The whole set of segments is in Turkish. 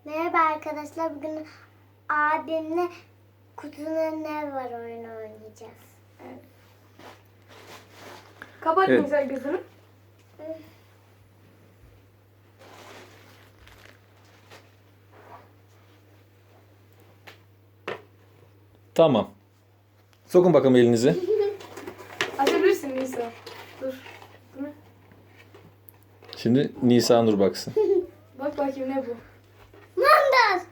Merhaba arkadaşlar. Bugün abimle kutunun ne var oyunu oynayacağız. Evet. Kapat Evet. güzel gözünü. Tamam. Sokun bakalım elinizi. Açabilirsin Nisa. Dur. Bu ne? Şimdi Nisa Nur baksın. Bak bakayım ne bu? Mandas.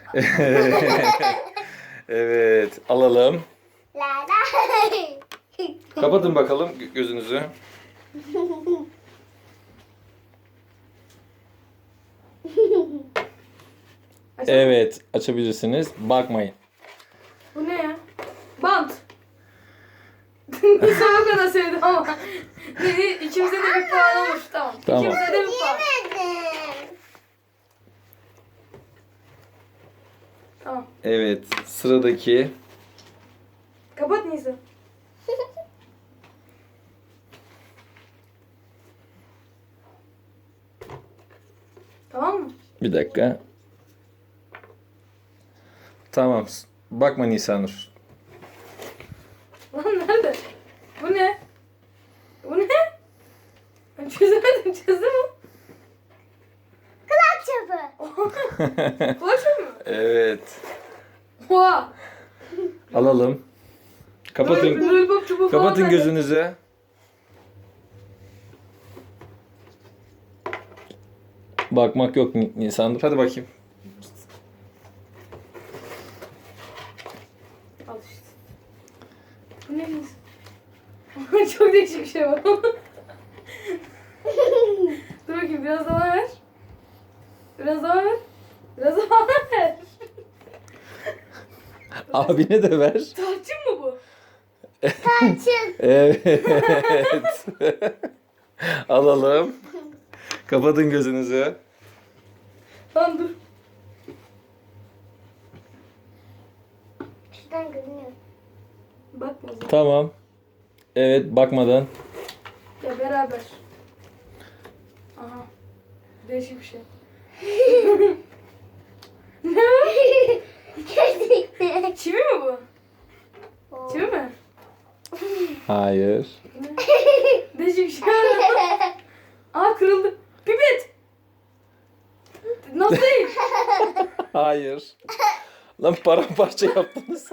Evet, alalım. La la. Kapatın bakalım gözünüzü. Açalım. Evet, açabilirsiniz. Bakmayın. Bu ne ya? Bant. Nisa o kadar sevdim ama. İkimize de bir puan olmuş. Tamam. Tamam. İkimize de bir puan. Yemedim. Tamam. Evet, sıradaki. Kapat Nisa. Tamam mı? Bir dakika. Tamam. Bakma Nisa Nur. Lan nerede? Bu ne? Bu ne? Ben çözemedim. Çözdün mü? Kulak çöpü. Ulaşıyor mu? Evet. Oha. Alalım. Kapatın. Lollipop çubuğu falan Kapatın nerede? gözünüzü. Bakmak yok Nisa Nur. Hadi bakayım. Al işte. Bu ne Nisa? Çok değişik bir şey var. Dur bakayım biraz daha ver. Biraz daha ver. Biraz daha ver. Abine de ver. Tarçın mı bu? Tarçın. Evet. Alalım. Kapatın gözünüzü. Lan dur. Şuradan görünüyor. Bakma o zaman. Tamam. Evet, bakmadan. Ya beraber. Aha. Değişik bir şey. Ne o? Gerçekten. Çivi mi bu? Çivi mi? Hayır. Ne? Değişik bir şey. Aa kırıldı. Pipet. Nasıl değil? Hayır. Lan paramparça yaptınız.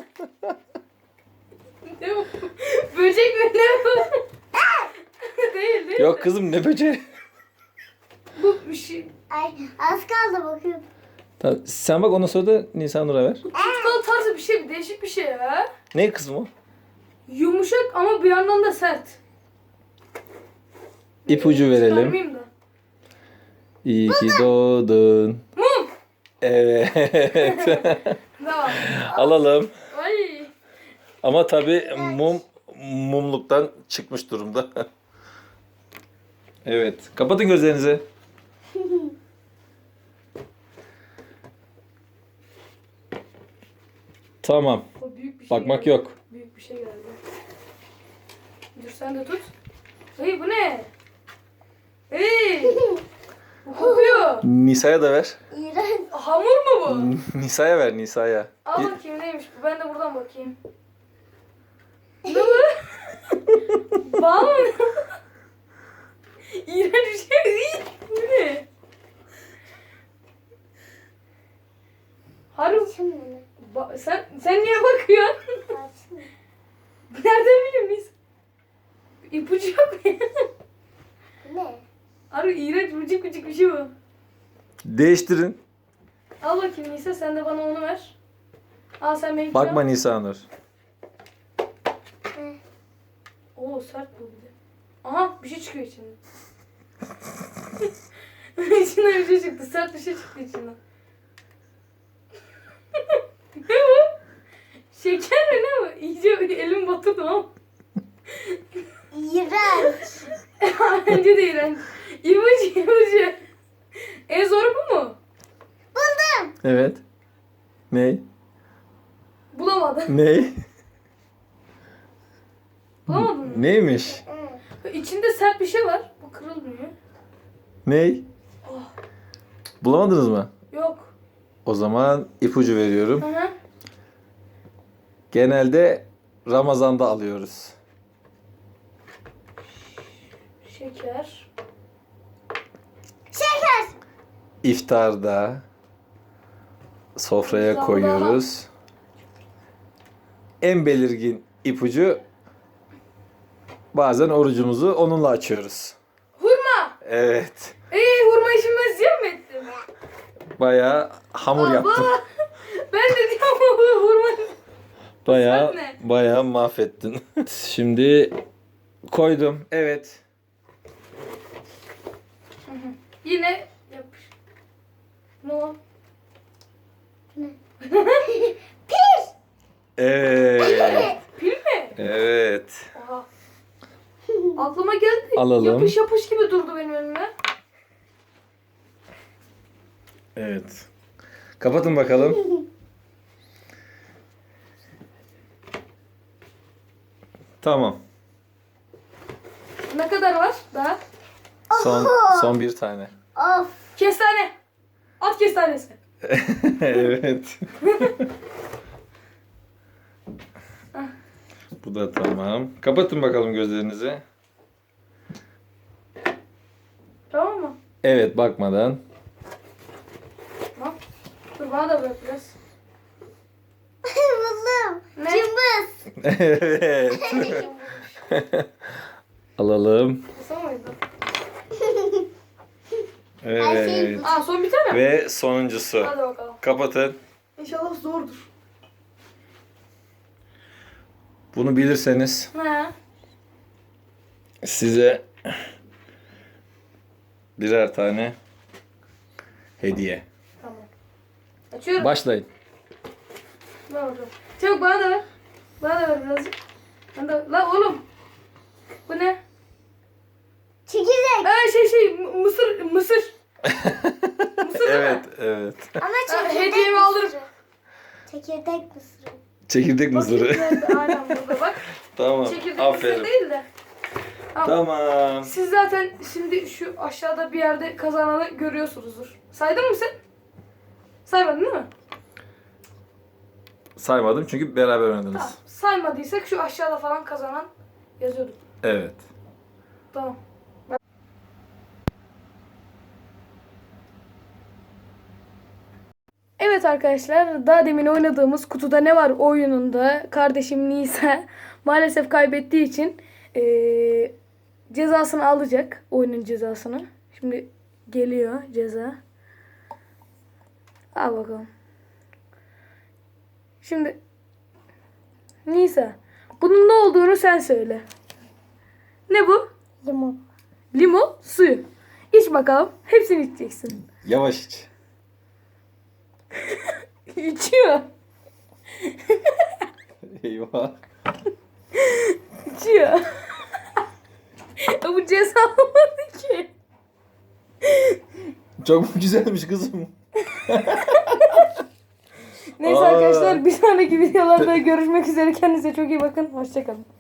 Ne bu? Böcek mi ne bu? Değil değil. Yok kızım, ne böceği. Bu bir şey. Ay az kaldı bakıyorum. Tamam, sen bak, ondan sonra da Nisa Nur'a ver. Tutkal tarzı bir şey. Değişik bir şey ya. Ne kızım o? Yumuşak ama bir yandan da sert. İpucu verelim. Çıkarmayayım da. İyi ki doğdun. Mum. Evet. Tamam. Alalım. Ay. Ama tabii mumluktan çıkmış durumda. Evet. Kapatın gözlerinizi. Tamam. O büyük bir şey Bakmak geldi. yok. Büyük bir şey geldi. Dur sen de tut. Hey bu ne? Hey. Bu kokuyor. Nisa'ya da ver. İğrenç. Hamur mu bu? Nisa'ya ver, Nisa'ya. Al bakayım neymiş bu. Ben de buradan bakayım. Ne bu? Bal mı? İğrenç bir şey. İyi. Bu ne? Harun. Tarçın mı? Sen niye bakıyorsun? Tarçın mı? Nereden bileyim biz? İpucu yok mu? Bu ne? Harun iğrenç vıcık vıcık bir şey bu. Değiştirin. Al bakayım Nisa sen de bana onu ver. Al sen benimkini Bakma al. Nisa Nur. Hı. Oo sert bu bir de. Aha bir şey çıkıyor içinden. İçinden bir şey çıktı. Sert bir şey çıktı içinden. Ne bu? Şeker mi ne bu? İyice elim batırdı ama. İğrenç. Bence de iğrenç. İpucu. En zoru bu mu? Buldum. Evet. Ney? Bulamadım. Ney? Bulamadın mı? Neymiş? Hı. İçinde sert bir şey var. Bu kırılmıyor. Ney? Oh. Bulamadınız mı? Yok. O zaman ipucu veriyorum. Hı hı. Genelde Ramazan'da alıyoruz. Şeker. Şeker. İftarda sofraya Ramazan'da. koyuyoruz. En belirgin ipucu bazen orucumuzu onunla açıyoruz. Hurma. Evet. Hurma işini ben ziyan mı ettim? Bayağı hamur yaptım. Ben de diyorum hurma. Bayağı Sen ne? bayağı mahvettin. Şimdi koydum. Evet. Yine yapış. Ne o? Evet. Pil mi? Evet. Oha. Aklıma geldi. Alalım. Yapış yapış gibi durdu benim önüme. Evet. Kapatın bakalım. Tamam. Ne kadar var daha? Son bir tane. Of. Kestane. At kestanesi. Evet. Bu da tamam. Kapatın bakalım gözlerinizi. Tamam mı? Evet, bakmadan. Tamam. Dur bana da bırak biraz. Buldum. Ne? Cımbız. Evet. Alalım. Kısa mıydı? Evet. Aa son bir tane mi? Ve sonuncusu. Hadi bakalım. Kapatın. İnşallah zordur. Bunu bilirseniz He. size birer tane hediye. Tamam. Açıyorum. Başlayın. Ver bakalım. Çabuk bana da ver. Bana da ver birazcık. Ben de... La oğlum. Bu ne? Çekirdek. Mısır. Mısır Evet, evet. Ama Ha, çekirdek hediyemi alırım. mısırı. Çekirdek mısırı. Çekirdek mısırı. Bakayım nerede? Aynen burada bak. Tamam. Çekirdek Aferin. mısır değil de. Tamam. Siz zaten şimdi şu aşağıda bir yerde kazananı görüyorsunuzdur. Saydın mı sen? Saymadın değil mi? Saymadım çünkü beraber Tamam. oynadınız. Saymadıysak şu aşağıda falan kazanan yazıyorduk. Evet. Tamam. Evet arkadaşlar, daha demin oynadığımız Kutuda Ne Var oyununda kardeşim Nisa maalesef kaybettiği için cezasını alacak, oyunun cezasını. Şimdi geliyor ceza. Al bakalım. Şimdi Nisa, bunun ne olduğunu sen söyle. Ne bu? Limon. Limon suyu. İç bakalım. Hepsini içeceksin. Yavaş iç. İçiyor. Eyvah. İçiyor. Bu ceza olmadı ki. Çok güzelmiş kızım. Neyse Aa. arkadaşlar, bir sonraki videolarda görüşmek üzere. Kendinize çok iyi bakın. Hoşçakalın.